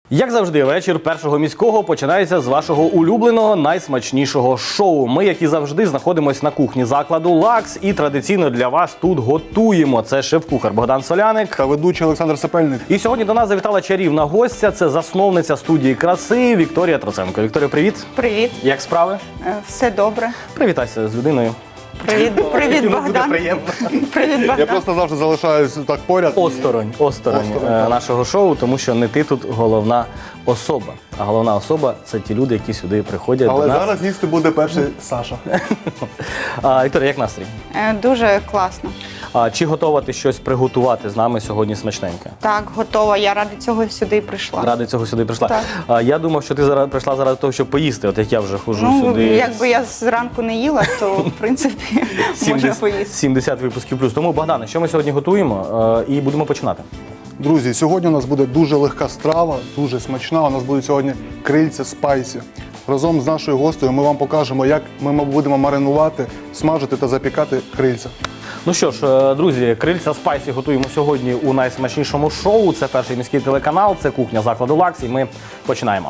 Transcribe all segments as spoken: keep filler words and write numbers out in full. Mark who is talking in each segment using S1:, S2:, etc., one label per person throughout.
S1: Як завжди, вечір першого міського починається з вашого улюбленого, найсмачнішого шоу. Ми, як і завжди, знаходимося на кухні закладу «Лакс» і традиційно для вас тут готуємо. Це шеф-кухар Богдан Соляник
S2: та ведучий Олександр Сапельник.
S1: І сьогодні до нас завітала чарівна гостя. Це засновниця студії краси Вікторія Троценко. Вікторія, привіт.
S3: Привіт.
S1: Як справи?
S3: Все добре.
S1: Привітайся з людиною.
S3: Привіт, привіт, Богдан.
S1: Приємно.
S3: Привіт, Богдан.
S2: Я просто завжди залишаюсь так поряд.
S1: Осторонь, осторонь,
S2: Осторонь,
S1: е,
S2: так.
S1: нашого шоу, тому що не ти тут головна особа. А головна особа – це ті люди, які сюди приходять
S2: Але
S1: до нас.
S2: зараз їсти буде перший Саша.
S1: А, Вікторія, як настрій?
S3: Е, Дуже класно.
S1: А, чи готова ти щось приготувати з нами сьогодні смачненьке?
S3: Так, готова. Я ради цього сюди прийшла.
S1: Ради цього сюди прийшла.
S3: Так.
S1: А, я думав, що ти зараз прийшла заради того, щоб поїсти, от як я вже ходжу
S3: Ну,
S1: сюди.
S3: якби я зранку не їла, то, в принципі, можна поїсти.
S1: сімдесят випусків плюс. Тому, Богдане, що ми сьогодні готуємо? Е, і будемо починати.
S2: Друзі, сьогодні у нас буде дуже легка страва, дуже смачна. У нас будуть сьогодні крильця спайсі. Разом з нашою гостею ми вам покажемо, як ми будемо маринувати, смажити та запікати крильця.
S1: Ну що ж, е, друзі, крильця спайсі готуємо сьогодні у найсмачнішому шоу. Це перший міський телеканал, це кухня закладу «Лакс», і ми починаємо.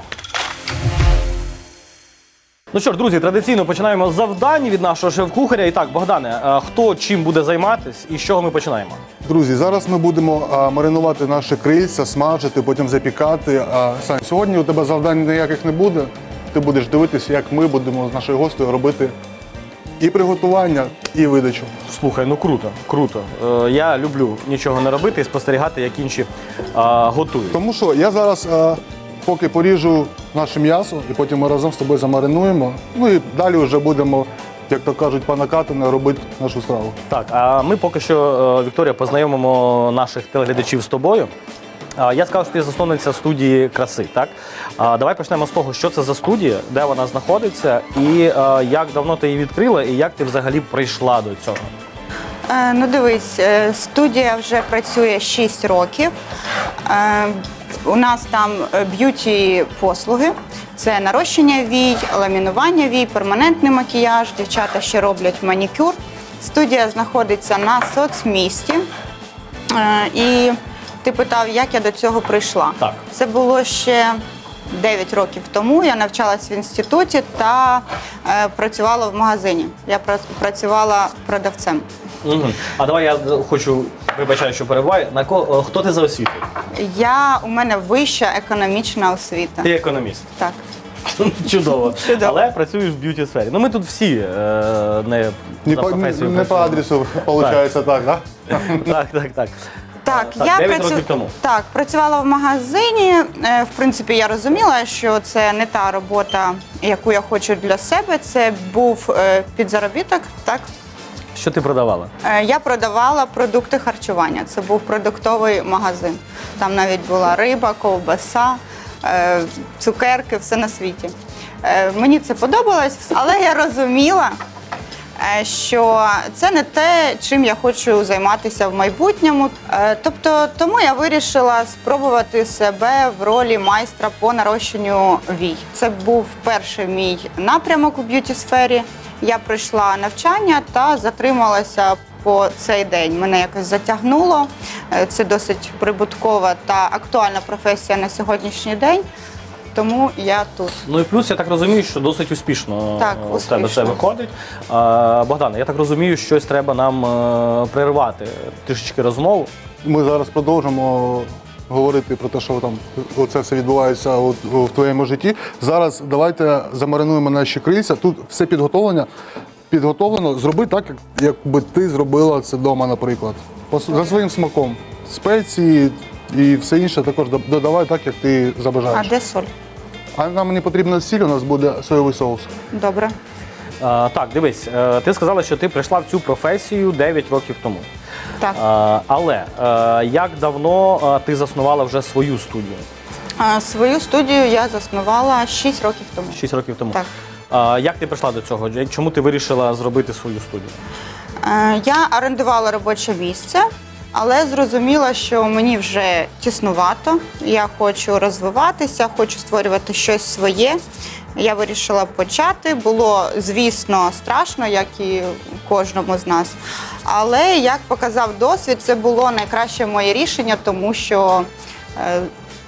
S1: Ну що ж, друзі, традиційно починаємо з завдань від нашого шеф-кухаря. І так, Богдане, е, хто чим буде займатись і з чого ми починаємо?
S2: Друзі, зараз ми будемо а, маринувати наші крильця, смажити, потім запікати. А, Сань, сьогодні у тебе завдань ніяких не буде. Ти будеш дивитися, як ми будемо з нашою гостею робити і приготування, і видачу.
S1: Слухай, ну круто, круто. Е, я люблю нічого не робити і спостерігати, як інші е, готують.
S2: Тому що я зараз а, поки поріжу наше м'ясо, і потім ми разом з тобою замаринуємо. Ну і далі вже будемо, як то кажуть, по накатану робити нашу страву.
S1: Так, а ми поки що, е, Вікторія, познайомимо наших телеглядачів з тобою. А, Я сказав, що ти засновниця студії краси, так? А, Давай почнемо з того, що це за студія, де вона знаходиться, і е, як давно ти її відкрила, і як ти взагалі прийшла до цього.
S3: Е, Ну, дивись, е, студія вже працює шість років. Е, У нас там б'юті-послуги. Це нарощення вій, ламінування вій, перманентний макіяж. Дівчата ще роблять манікюр. Студія знаходиться на соцмісті. Е, І ти питав, як я до цього прийшла.
S1: Так.
S3: Це було ще дев'ять років тому. Я навчалась в інституті та е, працювала в магазині. Я пра- працювала продавцем.
S1: Угу. А давай я хочу, вибачаю, що перебуваю. На ко... Хто ти за освітою?
S3: Я, у мене вища економічна освіта.
S1: Ти економіст.
S3: Так.
S1: Чудово.
S3: Чудово.
S1: Але працюєш в б'юті-сфері. Ну ми тут всі е, не
S2: Не
S1: за
S2: по,
S1: професією
S2: не по
S1: працюємо.
S2: адресу, виходить, так, так? Да?
S1: Так, так, так.
S3: Так,
S1: Так,
S3: я
S1: дев'ять
S3: працю-
S1: років тому.
S3: Так, працювала в магазині. Е, В принципі, я розуміла, що це не та робота, яку я хочу для себе. Це був е, підзаробіток. Так,
S1: Що ти продавала?
S3: Е, я продавала продукти харчування. Це був продуктовий магазин. Там навіть була риба, ковбаса, е, цукерки, все на світі. Е, Мені це подобалось, але я розуміла, е, що це не те, чим я хочу займатися в майбутньому. Е, Тобто, тому я вирішила спробувати себе в ролі майстра по нарощенню вій. Це був перший мій напрямок у б'юті-сфері. Я пройшла навчання та затрималася по цей день. Мене якось затягнуло. Е, Це досить прибуткова та актуальна професія на сьогоднішній день. Тому я тут.
S1: Ну і плюс, я так розумію, що досить успішно
S3: Так,
S1: в тебе це
S3: успішно.
S1: виходить. А, Богдане, я так розумію, щось треба нам е, перервати трішечки розмову.
S2: Ми зараз продовжимо говорити про те, що там оце все відбувається от, в твоєму житті. Зараз давайте замаринуємо наші крильця. Тут все підготовлення. Підготовлено. Зроби так, як якби ти зробила це вдома, наприклад. По, за своїм смаком. Спеції і все інше також додавай так, як ти
S3: А
S2: забажаєш.
S3: де соль?
S2: А нам не потрібна сіль, у нас буде соєвий соус.
S3: Добре.
S1: А, так, дивись, е, ти сказала, що ти прийшла в цю професію дев'ять років тому.
S3: Так.
S1: А, але е, як давно е, ти заснувала вже свою студію?
S3: А, Свою студію я заснувала шість років тому.
S1: шість років тому.
S3: Так.
S1: А, як ти прийшла до цього? Чому ти вирішила зробити свою студію?
S3: Е, Я орендувала робоче місце, але зрозуміла, що мені вже тіснувато. Я хочу розвиватися, хочу створювати щось своє. Я вирішила почати. Було, звісно, страшно, як і кожному з нас. Але, як показав досвід, це було найкраще моє рішення, тому що е,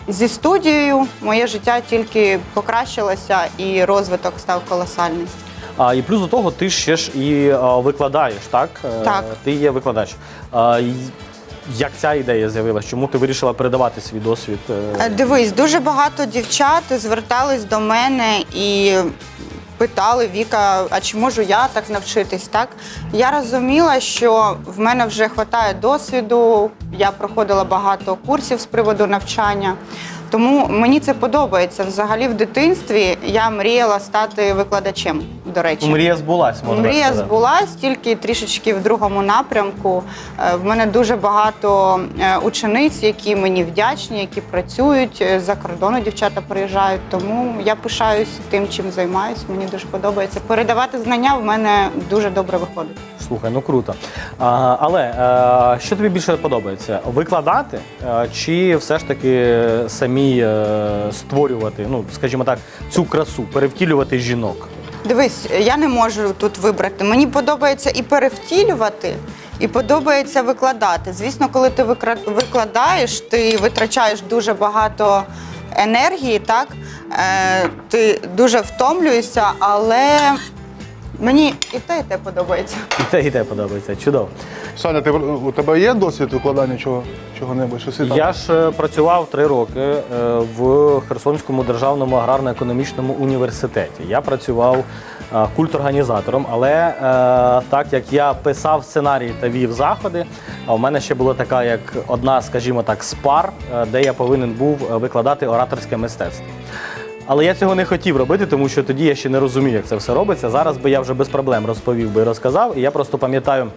S3: зі студією моє життя тільки покращилося і розвиток став колосальний.
S1: А, і плюс до того, ти ще ж і а, викладаєш, так? Е,
S3: Так.
S1: Ти є викладач. А, й- як ця ідея з'явилася? Чому ти вирішила передавати свій досвід? е?
S3: Е, Дивись, дуже багато дівчат звертались до мене і питали: Віка, а чи можу я так навчитись? Так? Я розуміла, що в мене вже вистачає досвіду, я проходила багато курсів з приводу навчання. Тому мені це подобається. Взагалі в дитинстві я мріяла стати викладачем, до речі.
S1: Мрія збулась, можна
S3: Мрія
S1: сказати.
S3: збулась, тільки трішечки в другому напрямку. Е, В мене дуже багато е, учениць, які мені вдячні, які працюють. Е, За кордону дівчата приїжджають. Тому я пишаюсь тим, чим займаюсь. Мені дуже подобається. Передавати знання в мене дуже добре виходить.
S1: Слухай, ну круто. А, але е, що тобі більше подобається? Викладати е, чи все ж таки самі е, створювати, ну, скажімо так, цю красу, перевтілювати жінок?
S3: Дивись, я не можу тут вибрати. Мені подобається і перевтілювати, і подобається викладати. Звісно, коли ти викра- викладаєш, ти витрачаєш дуже багато енергії, так? Е, ти дуже втомлюєшся, але мені і те, і те подобається.
S1: І те, і те подобається. Чудово.
S2: Саня, ти, у тебе є досвід викладання чого, чого-небудь? Щось і там?
S1: Я ж е, працював три роки е, в Херсонському державному аграрно-економічному університеті. Я працював е, культорганізатором, але е, так як я писав сценарії та вів заходи, а у мене ще була така як одна, скажімо так, з пар, е, де я повинен був викладати ораторське мистецтво. Але я цього не хотів робити, тому що тоді я ще не розумів, як це все робиться. Зараз би я вже без проблем розповів би і розказав. І я просто пам'ятаю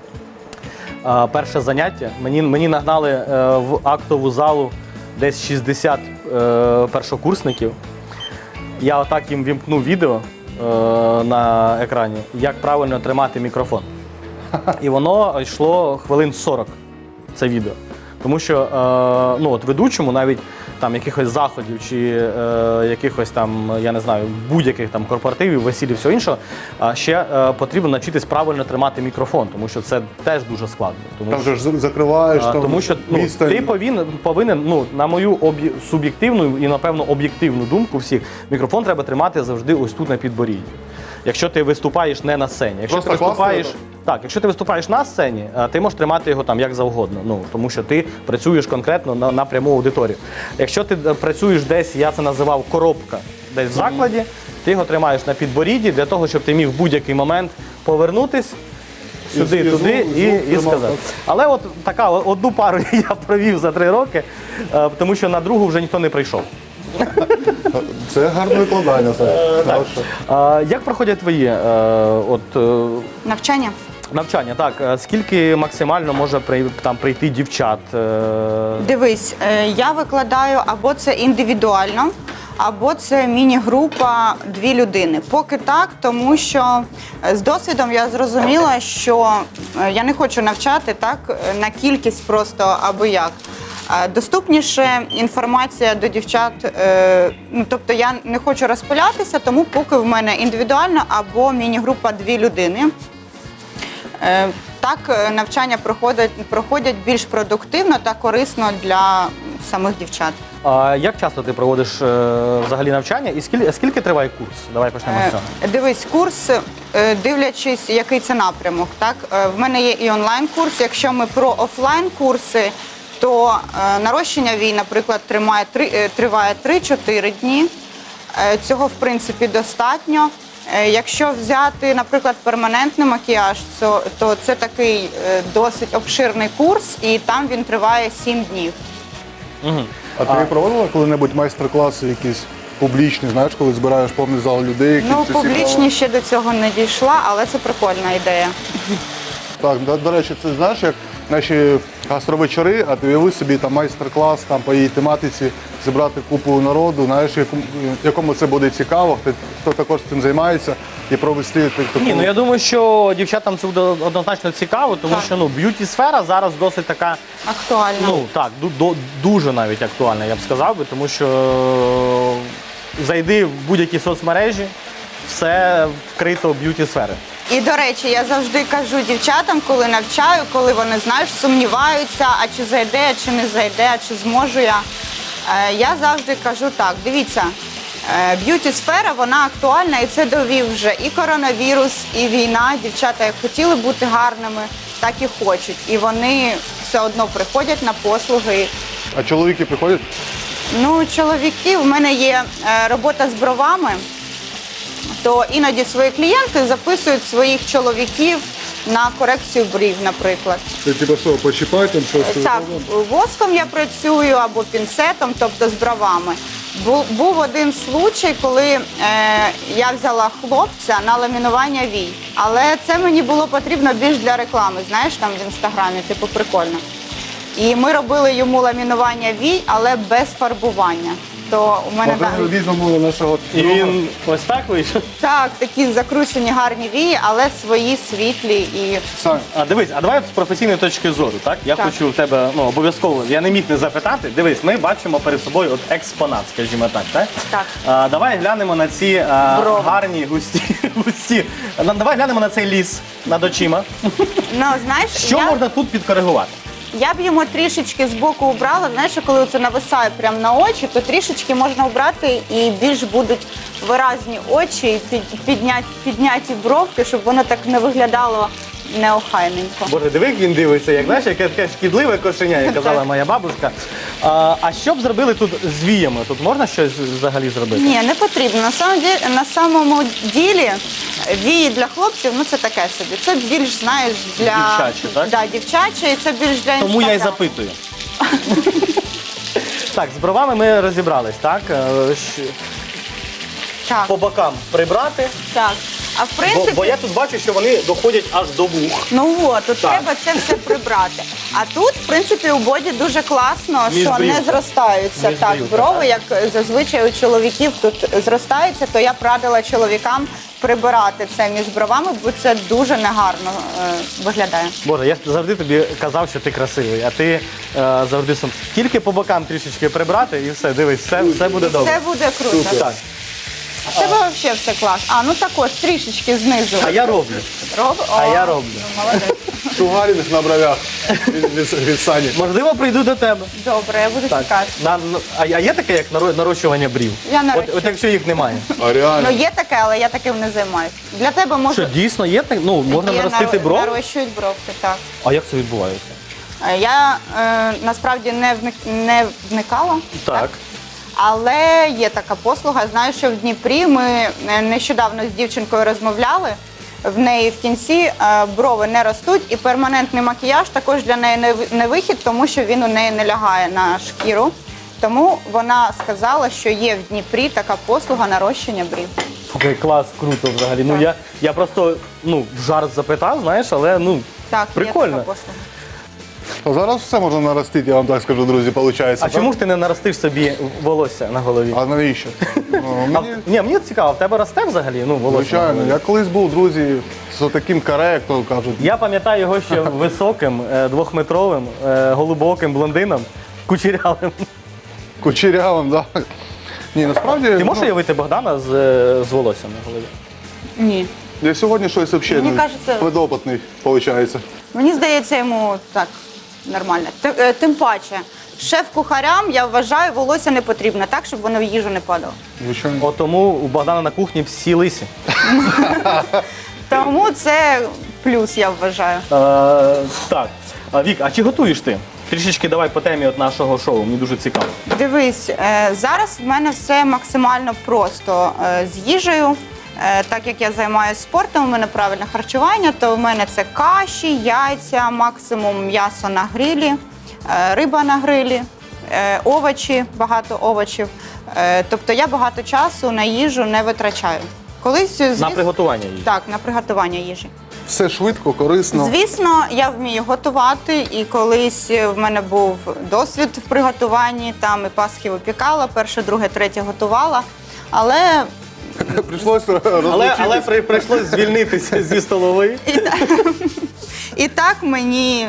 S1: е, перше заняття. Мені, мені нагнали е, в актову залу десь шістдесят е, першокурсників. Я отак їм вімкнув відео е, на екрані, як правильно тримати мікрофон. І воно йшло хвилин сорок, це відео. Тому що е, ну, от ведучому навіть там якихось заходів чи е, якихось там, я не знаю, будь-яких там корпоративів, весіль і всього іншого, а ще е, потрібно навчитись правильно тримати мікрофон, тому що це теж дуже складно. Тому
S2: Там
S1: що,
S2: же ж закриваєш,
S1: а,
S2: там
S1: тому що ну,
S2: відстань.
S1: ти повинен, повинен, ну, на мою об'є- суб'єктивну і, напевно, об'єктивну думку всіх, мікрофон треба тримати завжди ось тут на підборідді. Якщо ти виступаєш не на сцені. Якщо
S2: Просто
S1: ти виступаєш,
S2: класно,
S1: так, якщо ти виступаєш на сцені, а, ти можеш тримати його там як завгодно. Ну, тому що ти працюєш конкретно на, на пряму аудиторію. Якщо ти е, працюєш десь, я це називав коробка, десь в закладі, ти його тримаєш на підборідді для того, щоб ти міг в будь-який момент повернутись сюди,
S2: І
S1: туди
S2: звук-
S1: і,
S2: звук
S1: і
S2: тримав,
S1: сказати.
S2: так.
S1: Але от така одну пару я провів за три роки, е, тому що на другу вже ніхто не прийшов.
S2: Це гарне викладання, Саня. Хороше.
S1: А, як проходять твої е, от, е,
S3: Навчання.
S1: навчання? Так, е, скільки максимально може при, там, прийти дівчат? Е,
S3: Дивись, е, я викладаю або це індивідуально, або це міні-група дві людини. Поки так, тому що е, з досвідом я зрозуміла, що е, я не хочу навчати так е, на кількість просто аби як. Е, Доступніше інформація до дівчат, е, ну, тобто я не хочу розпилятися, тому поки в мене індивідуально або міні-група дві людини. Е, Так е, навчання проходять, проходять більш продуктивно та корисно для самих дівчат.
S1: а як часто ти проводиш е, взагалі навчання і скільки, скільки триває курс? Давай почнемо з
S3: Е,
S1: цього.
S3: Дивись, курс, е, дивлячись, який це напрямок. Так? Е, В мене є і онлайн-курс. Якщо ми про офлайн-курси, то е, нарощення вій, наприклад, тримає три- е, триває три-чотири дні. Е, Цього, в принципі, достатньо. Е, Якщо взяти, наприклад, перманентний макіяж, то, то це такий е, досить обширний курс, і там він триває сім днів.
S1: Угу.
S2: А ти проводила коли-небудь майстер-класи якісь публічні, знаєш, коли збираєш повний зал людей? які
S3: Ну,
S2: це цікаво?
S3: публічні ще до цього не дійшла, але це прикольна ідея.
S2: Так, до, до речі, це знаєш, як наші гастровечори, а ти уяви собі там майстер-клас там по її тематиці, зібрати купу народу, знаєш, якому, якому це буде цікаво, хто, хто також цим займається, і провести таку.
S1: Ні, ну я думаю, що дівчатам це буде однозначно цікаво, тому
S3: Так.
S1: що ну, б'юті-сфера зараз досить така,
S3: Актуально.
S1: ну так, ду- до- дуже навіть актуальна, я б сказав би, тому що е, зайди в будь-які соцмережі, все вкрито б'юті-сфери.
S3: І, до речі, я завжди кажу дівчатам, коли навчаю, коли вони, знаєш, сумніваються, а чи зайде, а чи не зайде, а чи зможу я. Е, Я завжди кажу так, дивіться, е, б'юті-сфера, вона актуальна, і це довів вже і коронавірус, і війна. Дівчата як хотіли бути гарними, так і хочуть. І вони все одно приходять на послуги.
S2: А чоловіки приходять?
S3: Ну, чоловіки, в мене є е, робота з бровами, то іноді свої клієнти записують своїх чоловіків на корекцію брів, наприклад.
S2: Це типу що, почіпати там щось?
S3: Так, воском я працюю або пінцетом, тобто з бровами. Бу- Був один случай, коли е, я взяла хлопця на ламінування вій. Але це мені було потрібно більш для реклами, знаєш, там в інстаграмі, типу прикольно. І ми робили йому ламінування вій, але без фарбування. То у мене
S2: Ми
S3: да-
S2: візьмемо нашого
S1: І
S2: друга.
S1: він ось так вийшов.
S3: так, такі закручені гарні вії, але свої світлі і
S2: Сань,
S1: А дивись, а давай з професійної точки зору, так? Я
S3: Так.
S1: хочу в тебе ну, обов'язково, я не міг не запитати. Дивись, ми бачимо перед собою от експонат, скажімо так, так?
S3: Так.
S1: А, давай глянемо на ці а,
S3: Брови.
S1: гарні, густі, густі. А, Давай глянемо на цей ліс над очима.
S3: ну знаєш,
S1: Що
S3: я...
S1: можна тут підкоригувати?
S3: Я б йому трішечки збоку убрала, знаєш, коли це нависає прямо на очі, то трішечки можна убрати і більш будуть виразні очі, і під- підняті, підняті бровки, щоб воно так не виглядало неохайненько.
S1: Боже, диви, як він дивиться, як знаєш, яке таке шкідливе кошеня, як казала
S3: Так.
S1: моя бабушка. А, а що б зробили тут з віями? Тут можна щось взагалі зробити?
S3: Ні, не потрібно. На самому ділі, на самому ділі вії для хлопців, ну це таке собі. Це більш, знаєш, для
S1: Дівчаче, так?
S3: Да, дівчаче, і це більш для
S1: Тому я й
S3: Інстаграму.
S1: запитую. Так, з бровами ми розібрались, так? Е, щ-
S3: Так,
S1: По бокам прибрати,
S3: так. А в
S1: бо,
S3: принципі,
S1: бо я тут бачу, що вони доходять аж до вух.
S3: ну от, тут
S1: Так.
S3: треба це все прибрати. А тут, в принципі, у боді дуже класно,
S1: Між
S3: що
S1: брів,
S3: не
S1: так?
S3: зростаються.
S1: Між
S3: Так,
S1: брів,
S3: брови,
S1: так.
S3: як зазвичай у чоловіків тут зростаються, то я б радила чоловікам прибирати це між бровами, бо це дуже негарно е, виглядає.
S1: Боже, я ж завжди тобі казав, що ти красивий, а ти е, завжди сам. Тільки по бокам трішечки прибрати і все, дивись, все, все буде добре.
S3: Все буде круто.
S1: Так.
S3: А в тебе взагалі все клас. А, ну також трішечки знизу.
S1: А я роблю.
S3: Роб...
S1: а
S3: О,
S1: я роблю.
S3: ну, молодець.
S2: шугаріних на бровях від, від, від Сані.
S1: Можливо, прийду до тебе.
S3: Добре, я буду
S1: Так.
S3: чекати.
S1: На, на- а а є таке, як наро- нарощування брів?
S3: Я
S1: От,
S3: нарощую.
S1: от якщо їх немає.
S2: А реально.
S3: Ну є таке, але я таким не займаюся. Для тебе
S1: Що,
S3: може
S1: дійсно є так? Ну, можна
S3: є
S1: наростити
S3: наро-
S1: бров?
S3: нарощують бровки, так.
S1: А як це відбувається?
S3: Е, Я е, насправді не вник не вникала,
S1: Так.
S3: але є така послуга. Знаю, що в Дніпрі ми е, нещодавно з дівчинкою розмовляли. В неї в кінці е, брови не ростуть, і перманентний макіяж також для неї не ви- не вихід, тому що він у неї не лягає на шкіру. Тому вона сказала, що є в Дніпрі така послуга нарощення брів.
S1: Слухай, клас, круто взагалі. Ну
S3: Так.
S1: я, я просто ну, в жарт запитав, знаєш, але ну
S3: Так, є
S1: прикольно.
S3: така послуга.
S2: А зараз все можна наростити, я вам так скажу, друзі, виходить.
S1: А чому ж ти не наростиш собі волосся на голові?
S2: А навіщо? Ну,
S1: А,
S2: мені,
S1: ні, мені цікаво, в тебе росте взагалі? Ну, волосся. на
S2: звичайно,
S1: голові?
S2: я колись був, друзі, з таким каре, як то кажуть.
S1: Я пам'ятаю його ще високим, е, двохметровим, е, голубоким блондином, кучерявим.
S2: Кучерявим, так. Ні, насправді.
S1: Ти можеш
S2: ну,
S1: уявити Богдана з, е, з волоссям на голові?
S3: Ні.
S2: Я сьогодні щось взагалі
S3: Мені
S2: ну,
S3: кажеться-
S2: предопитний, виходить.
S3: Мені здається, йому так нормально. Т- е, Тим паче, шеф-кухарям, я вважаю, волосся не потрібно так, щоб воно в їжу не падало.
S2: Звичайно.
S1: От тому у Богдана на кухні всі лисі.
S3: Тому це плюс, я вважаю.
S1: Е, так. А, Вік, а чи готуєш ти? Трішечки давай по темі от нашого шоу, мені дуже цікаво.
S3: Дивись, е, зараз в мене все максимально просто е, з їжею. Е, Так як я займаюся спортом, у мене правильне харчування, то в мене це каші, яйця, максимум м'ясо на грилі, е, риба на грилі, е, овочі, багато овочів. Е, Тобто я багато часу на їжу не витрачаю. Колись,
S1: На
S3: звісно,
S1: приготування їжі.
S3: так, на приготування їжі.
S2: Все швидко, корисно.
S3: Звісно, я вмію готувати, і колись в мене був досвід в приготуванні, там і пасхи випікала, перше, друге, третє готувала. Але
S2: Прийшлося
S1: Але,
S2: розлучитись.
S1: але при, прийшлось звільнитися зі столової.
S3: і так, і так мені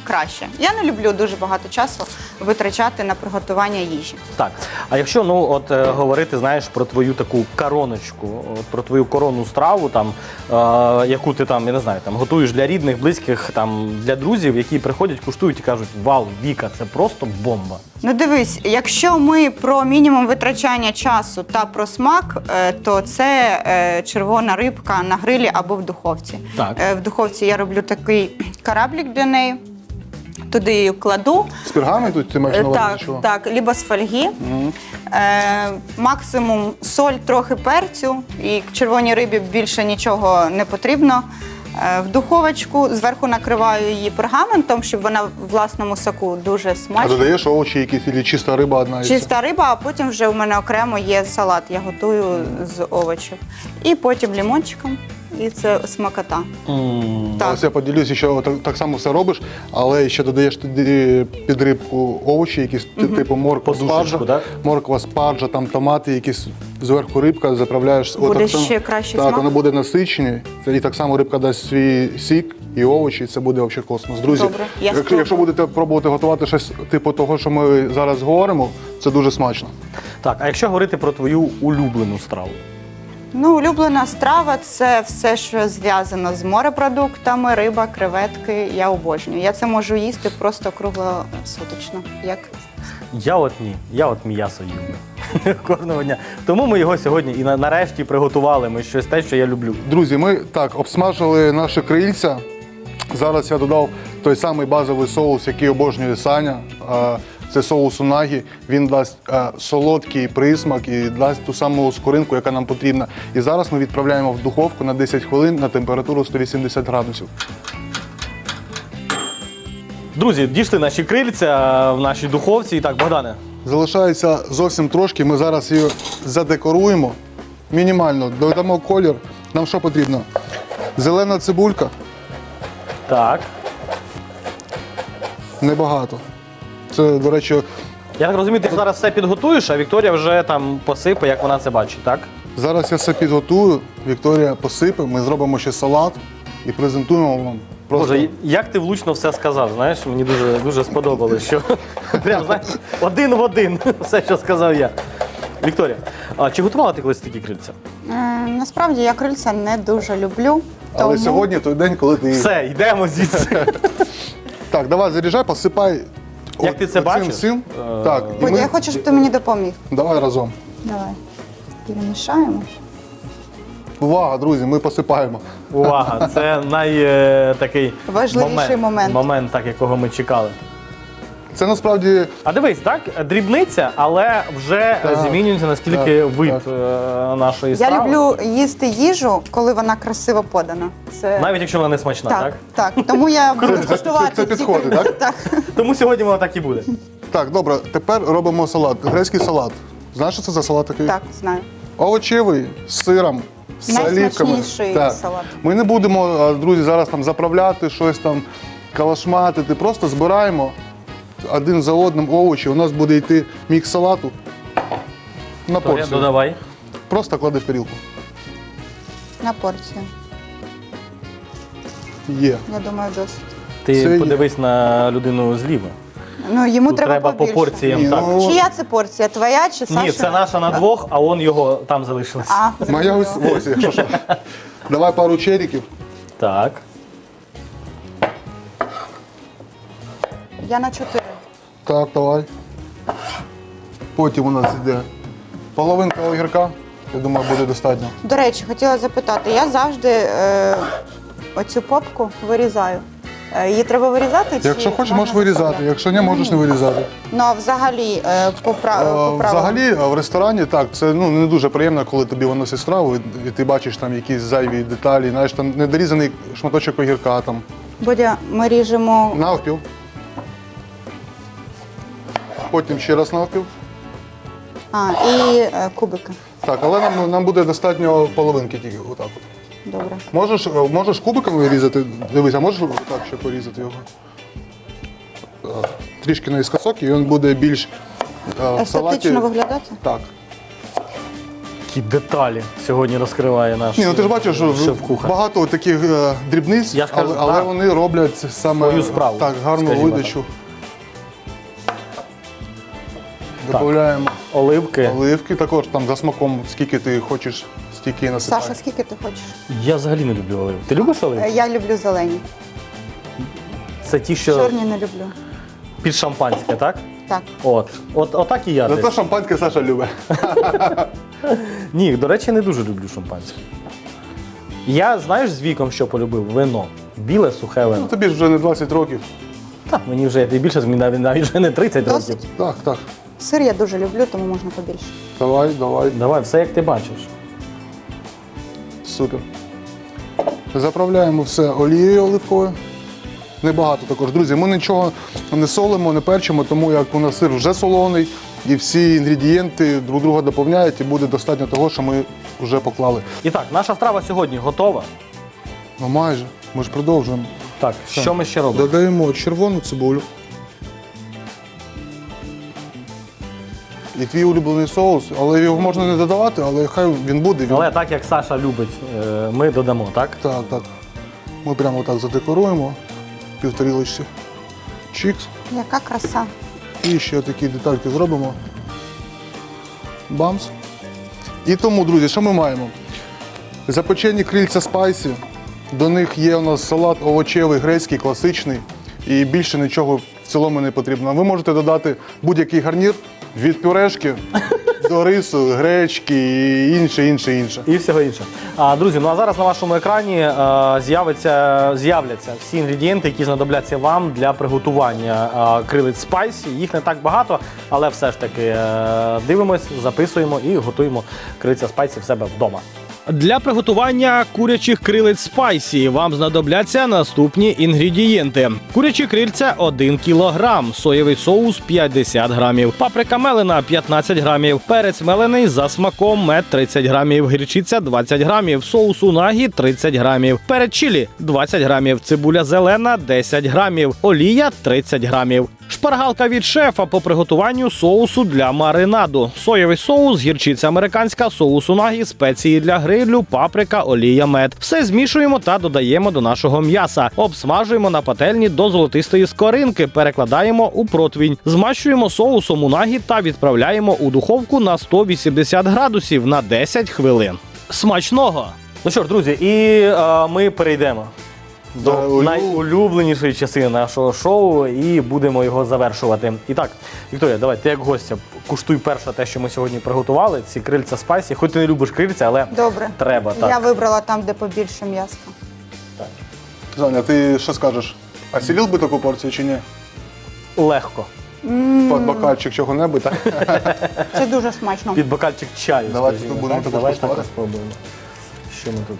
S3: краще. Я не люблю дуже багато часу витрачати на приготування їжі.
S1: Так. А якщо ну от е, говорити, знаєш, про твою таку короночку, от, про твою коронну страву, там е, яку ти там, я не знаю, там готуєш для рідних, близьких, там для друзів, які приходять, куштують і кажуть: вау, Віка, це просто бомба.
S3: Ну дивись, якщо ми про мінімум витрачання часу та про смак, е, то це е, червона рибка на грилі або в духовці.
S1: Так.
S3: Е, В духовці я роблю такий кораблик для неї, туди її кладу.
S2: З пергаменту ти маєш
S3: Е,
S2: на увазі?
S3: Так,
S2: чого?
S3: так, либо з фольги. Е, максимум соль, трохи перцю, і червоній рибі більше нічого не потрібно. Е, в духовочку зверху накриваю її пергаментом, щоб вона в власному соку дуже
S2: А
S3: смачна.
S2: додаєш овочі якісь, чи чиста риба одна і все?
S3: Чиста риба, а потім вже в мене окремо є салат. Я готую з овочів. І потім лимончиком, і це смакота.
S1: М,
S3: Так.
S2: Ось я поділюся, що так, так само все робиш, але ще додаєш туди під рибку овочі, якісь типу морква,
S1: Подушечку,
S2: спаржа,
S1: так?
S2: морква, спаржа, там томати, якісь зверху рибка, заправляєш.
S3: Буде
S2: Отак само-
S3: ще кращий
S2: Так,
S3: смак?
S2: воно буде насичене, це і так само рибка дасть свій сік і овочі, і це буде взагалі космос. Друзі,
S3: Добре, я
S2: якщо,
S3: спробую.
S2: якщо будете пробувати готувати щось типу того, що ми зараз говоримо, це дуже смачно.
S1: Так, а якщо говорити про твою улюблену страву?
S3: Ну, улюблена страва – це все, що зв'язано з морепродуктами, риба, креветки. Я обожнюю. Я це можу їсти просто круглосуточно. Як
S1: Я от ні, я от м'ясо їм кожного дня. Тому ми його сьогодні і на- нарешті приготували. Ми щось те, що я люблю.
S2: Друзі, ми так обсмажили наші крильця. Зараз я додав той самий базовий соус, який обожнює Саня. А, Це соус унагі. Він дасть а, солодкий присмак і дасть ту саму скоринку, яка нам потрібна. І зараз ми відправляємо в духовку на десять хвилин на температуру сто вісімдесят градусів.
S1: Друзі, дійшли наші крильця в нашій духовці. І так, Богдане,
S2: Залишається зовсім трошки. Ми зараз її задекоруємо. Мінімально додамо колір. Нам що потрібно? Зелена цибулька.
S1: так.
S2: Небагато. Це, до речі,
S1: Я так розумію, ти зараз все підготуєш, а Вікторія вже там посипе, як вона це бачить, так?
S2: зараз я все підготую. Вікторія посипе, ми зробимо ще салат і презентуємо вам. Просто
S1: Боже, як ти влучно все сказав, знаєш, мені дуже, дуже сподобалось, що прям, знаєш, один в один все, що сказав я. Вікторія, а чи готувала ти колись такі крильця?
S3: Е, насправді я крильця не дуже люблю.
S2: Але
S3: тому-
S2: сьогодні той день, коли ти.
S1: Все, йдемо звідси.
S2: Так, давай заряджай, посипай.
S1: Як
S2: от-
S1: ти це
S2: оцим
S1: бачиш?
S2: всім.
S1: Е,
S2: Так, і
S3: Бодя,
S2: ми...
S3: я хочу, щоб ти мені допоміг.
S2: Давай разом.
S3: Давай. Перемішаємо.
S2: Увага, друзі, ми посипаємо.
S1: Увага, це най е, такий
S3: Важливіший момент.
S1: момент, так, якого ми чекали.
S2: Це насправді
S1: А дивись, так, дрібниця, але вже
S2: Так,
S1: змінюється наскільки
S2: так,
S1: вид
S2: так.
S1: е, нашої
S3: Я
S1: страви.
S3: люблю їсти їжу, коли вона красиво подана. Це
S1: Навіть якщо вона не смачна, так?
S3: так, так. Тому я буду
S2: це-
S3: куштувати.
S2: це
S3: ці
S2: підходить,
S3: крильця.
S2: так?
S3: Так.
S1: Тому сьогодні вона так і буде.
S2: так, добре. Тепер робимо салат. Грецький салат. Знаєш, що це за салат такий?
S3: Так, знаю.
S2: Овочевий з сиром, з оливками.
S3: Найсмачніший салат.
S2: Ми не будемо, а, друзі, зараз там заправляти щось там, калашматити. Просто збираємо один за одним овочі. У нас буде йти мікс салату на
S1: Вікторія,
S2: порцію.
S1: додавай.
S2: Просто клади в тарілку.
S3: На порцію.
S2: Є.
S3: Я думаю, досить.
S1: Ти
S2: Це є.
S1: подивись на людину зліва.
S3: Ну, йому
S1: Тут
S3: треба,
S1: треба по
S3: побільше.
S1: порціям.
S2: Ні,
S1: Так.
S2: ну,
S3: Чия це порція? Твоя чи Саша?
S1: Ні, це наша на двох, а он його там залишилось.
S3: А,
S2: Моя ось,
S3: зрозуміло.
S2: ось, якщо що. Давай пару черіків.
S1: Так.
S3: Я на чотири.
S2: Так, давай. Потім у нас йде половинка огірка. Я думаю, буде достатньо.
S3: До речі, хотіла запитати, я завжди е, оцю попку вирізаю. Е, її треба вирізати? Чи
S2: Якщо хочеш,
S3: можна
S2: можеш вирізати.
S3: заставляти?
S2: Якщо ні, можеш не вирізати.
S3: Ну, а взагалі, е, по, пра...
S2: Е,
S3: по правилам?
S2: Взагалі, е, в ресторані так, це ну, не дуже приємно, коли тобі виносять страву, і- і ти бачиш там якісь зайві деталі, знаєш, там недорізаний шматочок огірка там.
S3: Бодя, ми ріжемо.
S2: Навпіл. Потім ще раз навпіл.
S3: А, і е, кубики.
S2: Так, але нам, нам буде достатньо половинки тільки. Отак от.
S3: Добре.
S2: Можеш, е, можеш кубиками різати? Дивись, а можеш отак ще порізати його? Так. Трішки наїскосок, і він буде більш е, в салаті.
S3: Естетично виглядати?
S2: Так.
S1: Які деталі сьогодні розкриває наш
S2: Ні, ну ти ж бачиш, що
S1: шеф-кухар.
S2: багато таких е, дрібниць,
S1: Я ж кажу,
S2: але, але
S1: так.
S2: вони роблять саме
S1: Свою справу,
S2: так, гарну
S1: скажімо
S2: видачу. Додаємо
S1: Оливки.
S2: оливки, також там за смаком, скільки ти хочеш, стільки і насипаєш.
S3: Саша, скільки ти хочеш?
S1: Я взагалі не люблю оливки. Ти любиш
S3: Е,
S1: оливки?
S3: Я люблю зелені.
S1: Це ті, що
S3: Чорні не люблю.
S1: під шампанське, так?
S3: Так.
S1: От. От, отак і я
S2: Зато
S1: десь.
S2: шампанське Саша любить.
S1: Ні, до речі, не дуже люблю шампанське. Я, знаєш, з віком що полюбив? Вино. Біле, сухе
S2: Ну,
S1: вино.
S2: тобі ж вже не двадцять років.
S1: Так, мені вже і більше, мені навіть, навіть вже не тридцять років.
S3: Досить.
S2: Так, так.
S3: Сир я дуже люблю, тому можна побільше.
S2: Давай, давай.
S1: Давай, все як ти бачиш.
S2: Супер. Заправляємо все олією оливковою. Небагато також. Друзі, ми нічого не солимо, не перчимо, тому як у нас сир вже солоний, і всі інгредієнти друг друга доповняють, і буде достатньо того, що ми вже поклали.
S1: І так, наша страва сьогодні готова.
S2: Ну майже, ми ж продовжуємо.
S1: Так, що ми ще робимо?
S2: Додаємо червону цибулю. І твій улюблений соус, але його можна не додавати, але хай він буде. Він...
S1: Але так як Саша любить, е, ми додамо, так?
S2: Так, так. Ми прямо так задекоруємо півторілочці. Чікс.
S3: Яка краса.
S2: І ще такі детальки зробимо. Бамс. І тому, друзі, що ми маємо? Запечені крильця спайсі. До них є у нас салат овочевий, грецький, класичний. І більше нічого в цілому не потрібно. Ви можете додати будь-який гарнір від пюрешки до рису, гречки і інше, інше, інше.
S1: І всього іншого. А, друзі, ну а зараз на вашому екрані е, з'явиться, з'являться всі інгредієнти, які знадобляться вам для приготування е, крилиць спайсі. Їх не так багато, але все ж таки е, дивимось, записуємо і готуємо крильця спайсі в себе вдома. Для приготування курячих крилець спайсі вам знадобляться наступні інгредієнти. Курячі крильця один кілограм, соєвий соус п'ятдесят грамів, паприка мелена п'ятнадцять грамів, перець мелений за смаком мед тридцять грамів, гірчиця двадцять грамів, соус унагі тридцять грамів, перець чилі двадцять грамів, цибуля зелена десять грамів, олія тридцять грамів. Шпаргалка від шефа по приготуванню соусу для маринаду. Соєвий соус, гірчиця американська, соус унагі, спеції для грилю, паприка, олія, мед. Все змішуємо та додаємо до нашого м'яса. Обсмажуємо на пательні до золотистої скоринки, перекладаємо у противінь. Змащуємо соусом унагі та відправляємо у духовку на сто вісімдесят градусів на десять хвилин. Смачного! Ну що ж, друзі, і е, ми перейдемо до
S2: Да,
S1: найулюбленішої частини нашого шоу і будемо його завершувати. І так, Вікторія, давай, ти як гостя, куштуй перше те, що ми сьогодні приготували, ці крильця спайсі. Хоч ти не любиш крильця, але
S3: Добре.
S1: треба. Так.
S3: Я вибрала там, де побільше м'яска.
S2: Заня, ти що скажеш? А сілів би таку порцію чи ні?
S1: Легко.
S2: Під бокальчик чого-небудь, так?
S3: Це дуже смачно.
S1: Під бокальчик чаю.
S2: Давайте
S1: скажімо,
S2: тут будемо
S1: так?
S2: також
S1: Давай так
S2: куштувати.
S1: спробуємо. Що ми тут?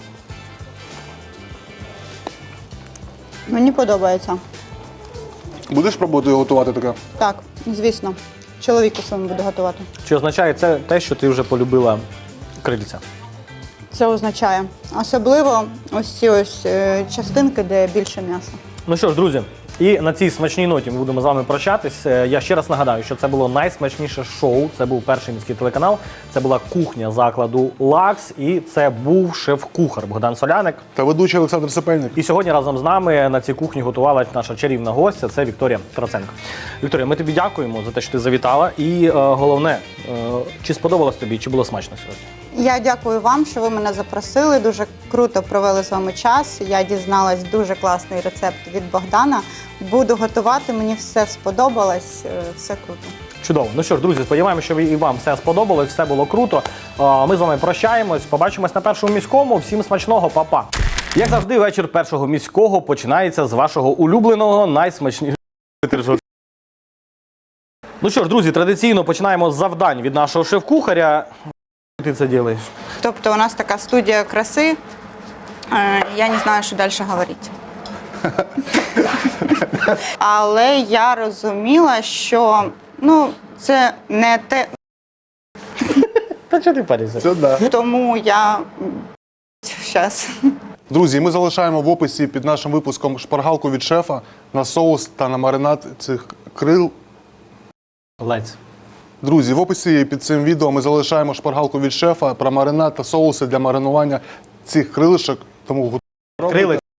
S3: Мені подобається.
S2: Будеш пробувати готувати таке?
S3: Так, звісно. Чоловіку своєму буду готувати.
S1: Чи означає це те, що ти вже полюбила крильця?
S3: Це означає. Особливо ось ці ось е, частинки, де більше м'яса.
S1: Ну що ж, друзі, і на цій смачній ноті ми будемо з вами прощатись. Е, Я ще раз нагадаю, що це було найсмачніше шоу. Це був перший міський телеканал. Це була кухня закладу Лакс. І це був шеф-кухар Богдан Соляник.
S2: Та ведучий Олександр Сапельник.
S1: І сьогодні разом з нами на цій кухні готувалась наша чарівна гостя. Це Вікторія Троценко. Вікторія, ми тобі дякуємо за те, що ти завітала. І е, головне, е, чи сподобалось тобі, чи було смачно сьогодні?
S3: Я дякую вам, що ви мене запросили. Дуже круто провели з вами час. Я дізналась дуже класний рецепт від Богдана. Буду готувати, мені все сподобалось, е, все круто.
S1: Чудово. Ну що ж, друзі, сподіваємося, що ви- і вам все сподобалось, все було круто. А, Ми з вами прощаємось. Побачимось на першому міському. Всім смачного, па-па. Як завжди, вечір першого міського починається з вашого улюбленого, найсмачнішого. Ну що ж, друзі, традиційно починаємо з завдань від нашого шеф-кухаря. Ти це робиш?
S3: Тобто у нас така студія краси. Е, Я не знаю, що далі говорити. Але я розуміла, що ну, це не те,
S1: Та чого ти паришся?
S2: Це да.
S3: тому я зараз.
S2: Друзі, ми залишаємо в описі під нашим випуском шпаргалку від шефа на соус та на маринад цих крил.
S1: Лець.
S2: Друзі, в описі під цим відео ми залишаємо шпаргалку від шефа про маринад та соуси для маринування цих крилишок. Тому
S1: Крили